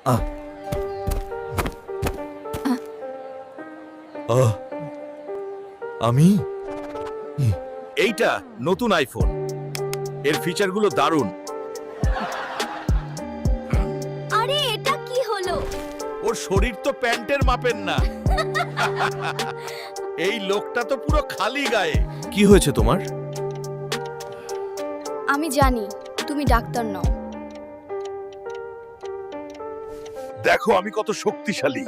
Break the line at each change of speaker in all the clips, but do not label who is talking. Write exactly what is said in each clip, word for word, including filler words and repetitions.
আহ আহ আমি
এইটা নতুন আইফোন, এর ফিচারগুলো দারুণ।
আরে এটা কি হলো?
ওর শরীর তো প্যান্টের মাপের না। এই লোকটা তো পুরো খালি গায়ে।
কি হয়েছে তোমার?
আমি জানি তুমি ডাক্তার নও।
দেখো আমি কত শক্তিশালী।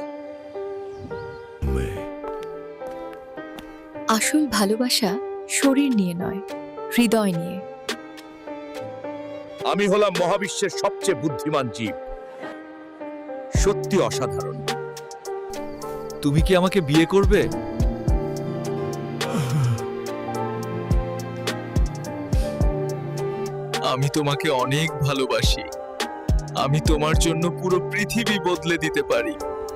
আসল ভালোবাসা শরীর নিয়ে নয়, হৃদয় নিয়ে।
আমি হলাম মহাবিশ্বের সবচেয়ে বুদ্ধিমান জীব। সত্যি অসাধারণ।
তুমি কি আমাকে বিয়ে করবে? আমি তোমাকে অনেক ভালোবাসি। আমি তোমার জন্য পুরো পৃথিবী বদলে দিতে পারি।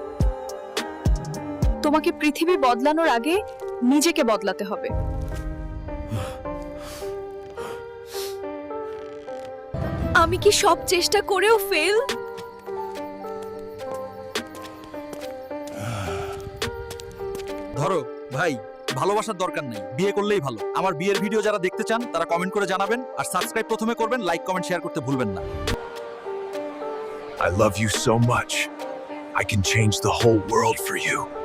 তোমাকে পৃথিবী বদলানোর আগে নিজেকে বদলাতে হবে। আমি কি সব চেষ্টা করেও ফেল?
ধরো ভাই, ভালোবাসার দরকার নেই, বিয়ে করলেই ভালো। আমার বিয়ের ভিডিও যারা দেখতে চান তারা কমেন্ট করে জানাবেন, আর সাবস্ক্রাইব প্রথমে করবেন, লাইক কমেন্ট শেয়ার করতে ভুলবেন না।
I love you so much. I can change the whole world for you.